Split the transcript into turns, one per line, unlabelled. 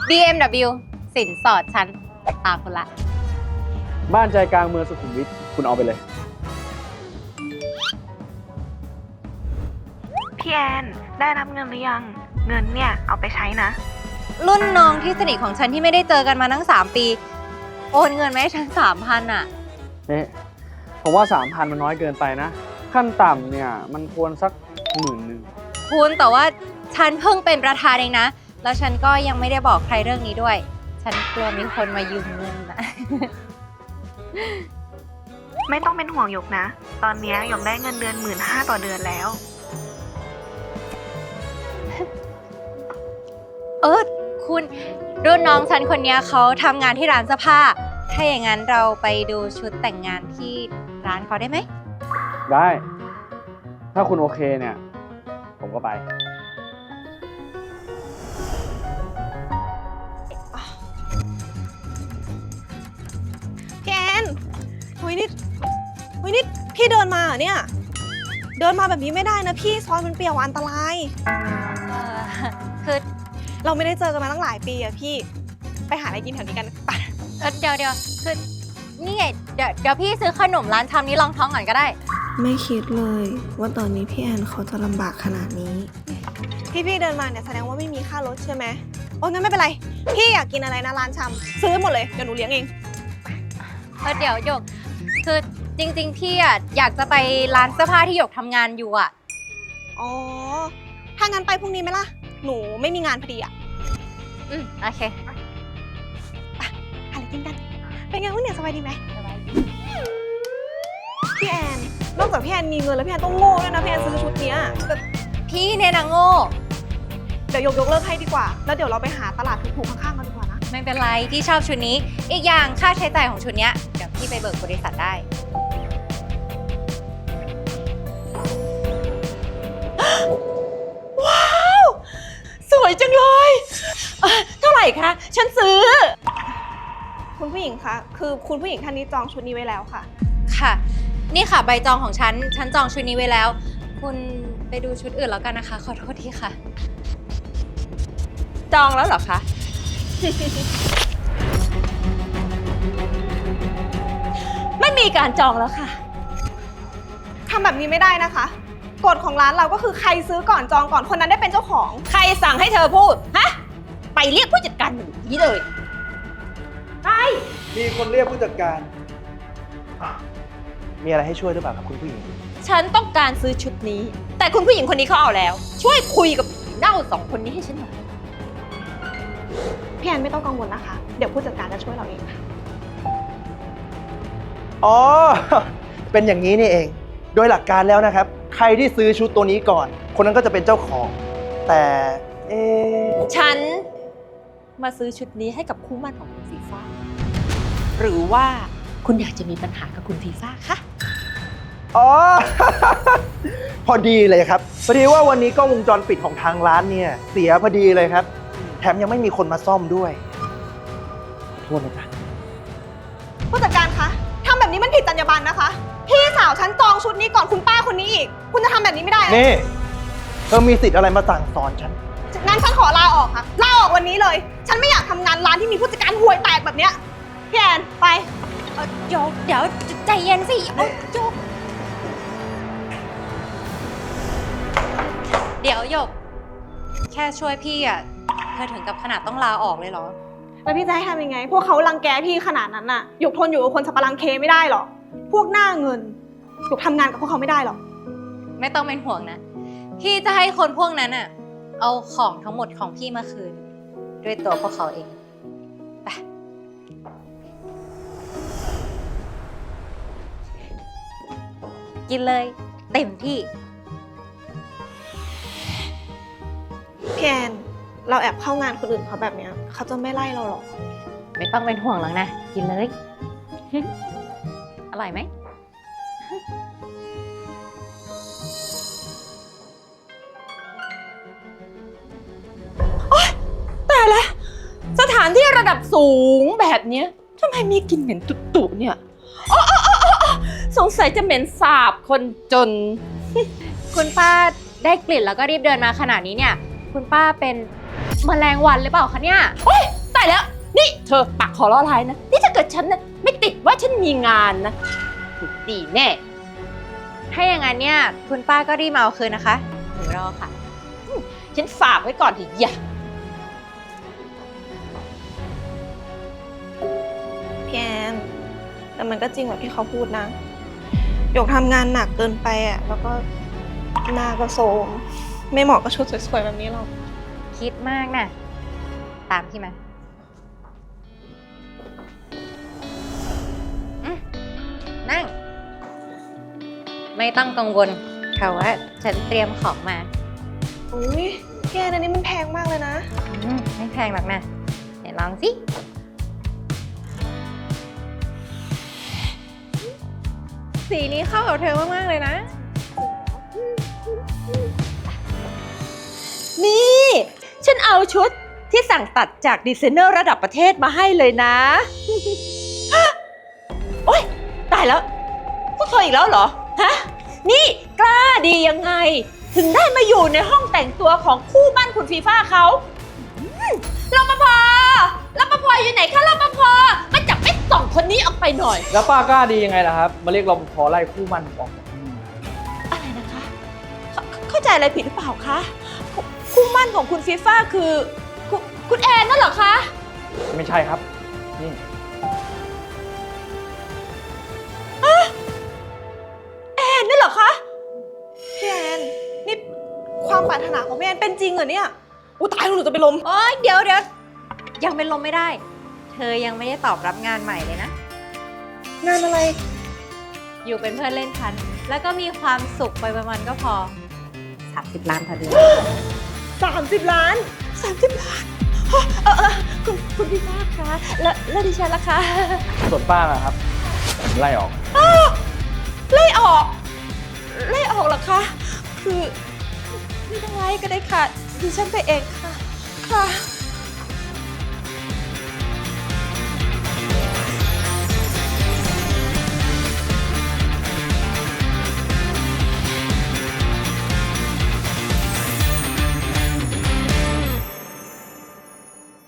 BMW สินสอดฉันตามคุณละ
บ้านใจกลางเมืองสุขุมวิทคุณเอาไปเลย
พี่แอนได้รับเงินหรือยัง เงินเนี่ยเอาไปใช้นะ
รุ่นน้องที่สนิทของฉันที่ไม่ได้เจอกันมาตั้ง3 ปี โอนเงินมาให้ฉัน3,000อ่ะ
นี่ผมว่า 3,000 มันน้อยเกินไปนะ ขั้นต่ำเนี่ยมันควรสัก10,000
คุณแต่ว่าฉันเพิ่งเป็นประธานเองนะ แล้วฉันก็ยังไม่ได้บอกใครเรื่องนี้ด้วย ฉันกลัวมีคนมายืมเงินนะ
ไม่ต้องเป็นห่วงหยกนะ ตอนนี้หยกได้เงินเดือน 15,000 ต่อเดือนแล้ว
คุณรุ่นน้องฉันคนนี้เขาทำงานที่ร้านเสื้อผ้า ถ้าอย่างนั้นเราไปดูชุดแต่งงานที่ร้านเขาได้ไหม
ได้ ถ้าคุณโอเคเนี่ย ผมก็ไป
พี่แอนหุยนี่พี่เดินมาเหรอเนี่ย เดินมาแบบนี้ไม่ได้นะพี่ซอยมันเปลี่ยวอันตราย
คือ
เราไม่ได้เจอกันมาตั้งหลายปีอะพี่ ไปหาอะไรกินแถวนี้กันไป
เดี๋ยวคือนี่ไงเดี๋ยวพี่ซื้อขนมร้านชำนี้ลองท้องก่อนก็ได้
ไม่คิดเลยว่าตอนนี้พี่แอนเขาจะลำบากขนาดนี้
พี่เดินมาเนี่ยแสดงว่าไม่มีค่ารถใช่ไหมโอ้งั้นไม่เป็นไร พี่อยากกินอะไรนะร้านชำซื้อหมดเลยเดี๋ยวหนูเลี้ยงเอง
เดี๋ยวหยกคือจริงๆพี่อ่ะอยากจะไปร้านเสื้อผ้าที่หยกทำงานอยู่อ่ะ
อ๋อ ถ้างั้นไปพรุ่งนี้ไหมล่ะ หนูไม่มีงานพอดีอะ
โอเค
หาอะไรกินกัน เป็นไงวะเนี่ยสบายดีไหมพี่แอน นอกจากพี่แอนมีเงินแล้วพี่แอนต้องโง่ด้วยนะพี่แอนซื้อชุดเนี้ยแต่
พี่เนี่ยนะโง่
เดี๋ยวยกเลิกให้ดีกว่า แล้วเดี๋ยวเราไปหาตลาดถูกๆข้างๆกันดีกว่านะ
ไม่เป็นไรพี่ชอบชุดนี้ อีกอย่างค่าใช้จ่ายของชุดเนี้ยเดี๋ยวพี่ไปเบิกบริษัทได้
ว้าว สวยจังเลยเท่าไหร่คะ ฉันซื้อ คุณผู้หญิงคะ คือคุณผู้หญิงท่านนี้จองชุดนี้ไว้แล้วค่ะ
ค่ะ นี่ค่ะใบจองของฉันจองชุดนี้ไว้แล้ว คุณไปดูชุดอื่นแล้วกันนะคะ ขอโทษทีค่ะ
จองแล้วเหรอคะ ไม่มีการจองแล้วค่ะ
ทำแบบนี้ไม่ได้นะคะ กฎของร้านเราก็คือใครซื้อก่อนจองก่อนคนนั้นได้เป็นเจ้าของ
ใครสั่งให้เธอพูด ฮะ ไปเรียกผู้จัดการหนูนี้เลย ไป
มีคนเรียกผู้จัดการมีอะไรให้ช่วยหรือเปล่าครับคุณผู้หญิง
ฉันต้องการซื้อชุดนี้ แต่คุณผู้หญิงคนนี้เขาเอาแล้ว ช่วยคุยกับผีเน่า2 คนนี้ให้ฉันหน่อย
พี่แอนไม่ต้องกังวลนะคะ เดี๋ยวผู้จัดการจะช่วยเราเองค่ะ
อ๋อ เป็นอย่างนี้นี่เอง โดยหลักการแล้วนะครับ ใครที่ซื้อชุดตัวนี้ก่อน คนนั้นก็จะเป็นเจ้าของ แต่เอ๊ะ
ฉันมาซื้อชุดนี้ให้กับคู่หมั่นของคุณฟีฟ่า หรือว่าคุณอยากจะมีปัญหากับคุณฟีฟ่าคะ
อ๋อ พอดีเลยครับ พอดีว่าวันนี้กล้องวงจรปิดของทางร้านเนี่ยเสียพอดีเลยครับ แถมยังไม่มีคนมาซ่อมด้วยขอโทษนะจ๊ะ
ผู้จัดการคะทำแบบนี้มันผิดจรรยาบรรณนะคะ พี่สาวฉันจองชุดนี้ก่อนคุณป้าคนนี้อีก คุณจะทำแบบนี้ไม่ได้นะ
นี่ เธอมีสิทธิ์อะไรมาสั่งสอนฉัน
งั้นฉันขอลาออกค่ะ ลาออกวันนี้เลย ฉันไม่อยากทำงานร้านที่มีผู้จัดการห่วยแตกแบบเนี้ยพี่แอนไป
เดี๋ยวใจเย็นสิเอาโยกเดี๋ยวหยก แค่ช่วยพี่อ่ะเธอถึงกับขนาดต้องลาออกเลยเหรอ
แล้วพี่จะให้ทำยังไง พวกเขารังแกพี่ขนาดนั้นน่ะหยกทนอยู่กับคนสับปะรังเคไม่ได้หรอก พวกหน้าเงินหยกทำงานกับพวกเขาไม่ได้หรอก
ไม่ต้องเป็นห่วงนะ พี่จะให้คนพวกนั้นอ่ะ เอาของทั้งหมดของพี่มาคืน ด้วยตัวพวกเขาเอง ไป กินเลยเต็มที่
พี่แอนเราแอบเข้างานคนอื่นเขาแบบเนี้ยเขาจะไม่ไล่เราหรอก
ไม่ต้องเป็นห่วงหรอกนะ กินเลย อร่อยไหม
แต่ละสถานที่ระดับสูงแบบเนี้ยทำไมมีกลิ่นเหม็นตุ่ๆเนี่ยอ๋อสงสัยจะเหม็นสาบคนจน
คุณป้าได้กลิ่นแล้วก็รีบเดินมาขนาดนี้เนี่ย คุณป้าเป็นแมลงวันหรือเปล่าคะเนี่ย
โอ๊ยายแล้ว นี่เธอปากขอล้อลายนะ นี่ถ้าเกิดฉันนะไม่ติดว่าฉันมีงานนะถูกตีแน่
ถ้าอย่างนั้นเนี่ยคุณป้าก็รีบมาเอาคืนนะคะหนูรอค่ะ
ฉันฝากไว้ก่อนเถอะอย่า
พี่แอนแต่มันก็จริงแบบที่เขาพูดนะหยกทำงานหนักเกินไปอ่ะแล้วก็หน้าก็โทรมไม่เหมาะกับชุดสวยๆแบบนี้หรอก
คิดมากนะตามพี่มานั่ง ไม่ต้องกังวลค่ะว่าฉันเตรียมของมา
อุ้ยพี่แอนอันนี้มันแพงมากเลยนะ
ไม่แพงหรอกนะเดี๋ยวลองสิสีนี้เข้ากับเธอมากๆเลยนะ
นี่ ฉันเอาชุดที่สั่งตัดจากดีไซเนอร์ระดับประเทศมาให้เลยนะ โอ๊ยตายแล้วพวกเธออีกแล้วเหรอ ฮะ นี่กล้าดียังไง ถึงได้มาอยู่ในห้องแต่งตัวของคู่มั่นคุณฟีฟ่าเขารปภอยู่ไหนคะรปภมาจับไอ้สองคนนี้ออกไปหน่อย
แล้วป้ากล้าดียังไงล่ะครับ มาเรียกรปภไล่คู่มันผมออกจากที่นี่
อะไรนะคะเข้าใจอะไรผิดหรือเปล่าคะ คู่มั่นของคุณฟีฟ่าคือคุณแอนนั่นเหรอคะ
ไม่ใช่ครับ นี่
แอนนั่นเหรอคะ
พี่แอนนี่ความปรารถนาของพี่แอนเป็นจริงเหรอเนี่ยอู้ตายแล้วหนูจะไปนลม
โอ๊ยเดี๋ยวยังเป็นลมไม่ได้ เธอยังไม่ได้ตอบรับงานใหม่เลยนะ
งานอะไร
อยู่เป็นเพื่อนเล่นฉัน แล้วก็มีความสุขไปวันๆก็พอ 30 ล้านพอดี
30 ล้าน
30 ล้านคุณพี่ฟ้าคะแล้วดิฉันล่ะคะ
ส่วนป้านะครับผมไล่ออก
ไล่ออกเหรอคะ คือไม่ต้องไล่ก็ได้ค่ะ ดิฉันไปเองค่ะ ค่ะ